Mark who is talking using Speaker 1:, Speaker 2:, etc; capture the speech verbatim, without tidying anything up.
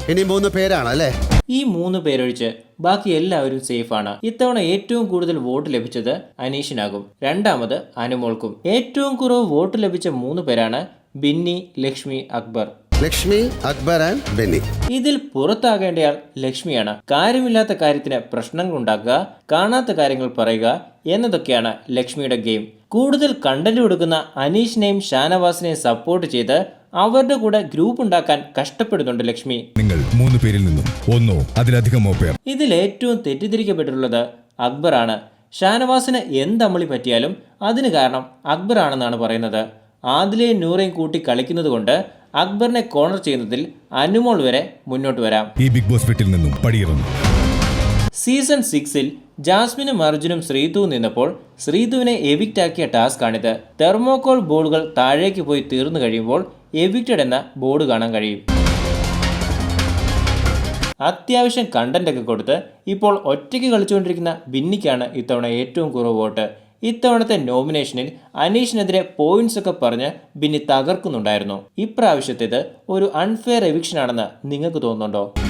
Speaker 1: ഇനി മൂന്ന് പേരാണ് അല്ലേ?
Speaker 2: ഈ മൂന്ന് പേരൊഴിച്ച് ബാക്കി എല്ലാവരും സേഫാണ്. ഇത്തവണ ഏറ്റവും കൂടുതൽ വോട്ട് ലഭിച്ചത് അനീഷിനാകും. രണ്ടാമത് അനുമോൾക്കും. ഏറ്റവും കുറവ് വോട്ട് ലഭിച്ച മൂന്ന് പേരാണ് ബിന്നി, ലക്ഷ്മി, അക്ബർ.
Speaker 1: ലക്ഷ്മി, അക്ബർ ആൻഡ് ബെന്നി.
Speaker 2: ഇതിൽ പുറത്താകേണ്ടയാൾ ലക്ഷ്മിയാണ്. കാര്യമില്ലാത്ത കാര്യത്തിന് പ്രശ്നങ്ങൾ ഉണ്ടാക്കുക, കാണാത്ത കാര്യങ്ങൾ പറയുക എന്നതൊക്കെയാണ് ലക്ഷ്മിയുടെ ഗെയിം. കൂടുതൽ കണ്ടന്റ് കൊടുക്കുന്ന അനീഷിനെയും ഷാനവാസിനെയും സപ്പോർട്ട് ചെയ്ത് അവരുടെ കൂടെ ഗ്രൂപ്പ് ഉണ്ടാക്കാൻ കഷ്ടപ്പെടുന്നുണ്ട് ലക്ഷ്മി.
Speaker 3: നിങ്ങൾ മൂന്ന് പേരിൽ നിന്നും ഒന്നോ അതിലധികമോ പേർ.
Speaker 2: ഇതിൽ ഏറ്റവും തെറ്റിദ്ധരിക്കപ്പെട്ടിട്ടുള്ളത് അക്ബറാണ്. ഷാനവാസിന് എന്തമ്മളി പറ്റിയാലും അതിന് കാരണം അക്ബർ ആണെന്നാണ് പറയുന്നത്. ആദിലെയും നൂറയും കൂട്ടി കളിക്കുന്നത് കൊണ്ട് അക്ബറിനെ കോർണർ ചെയ്യുന്നതിൽ അനുമോൾ വരെ മുന്നോട്ട് വരാം.
Speaker 3: ഈ ബിഗ് ബോസ് വീട്ടിൽ നിന്നും പടിയിറങ്ങും.
Speaker 2: സീസൺ സിക്സിൽ ജാസ്മിനും അർജുനും ശ്രീതുവും നിന്നപ്പോൾ ശ്രീതുവിനെ എവിക്റ്റ് ആക്കിയ ടാസ്ക് ആണിത്. തെർമോകോൾ ബോർഡുകൾ താഴേക്ക് പോയി തീർന്നു കഴിയുമ്പോൾ എവിക്റ്റഡ് എന്ന ബോർഡ് കാണാൻ കഴിയും. അത്യാവശ്യം കണ്ടന്റ് ഒക്കെ കൊടുത്ത് ഇപ്പോൾ ഒറ്റയ്ക്ക് കളിച്ചുകൊണ്ടിരിക്കുന്ന ബിന്നിക്കാണ് ഇത്തവണ ഏറ്റവും കുറവ് വോട്ട്. ഇത്തവണത്തെ നോമിനേഷനിൽ അനീഷിനെതിരെ പോയിന്റ്സ് ഒക്കെ പറഞ്ഞ് ബിന്നി തകർക്കുന്നുണ്ടായിരുന്നു. ഇപ്രാവശ്യത്തേത് ഒരു അൺഫെയർ എവിക്ഷൻ ആണെന്ന് നിങ്ങൾക്ക് തോന്നുന്നുണ്ടോ?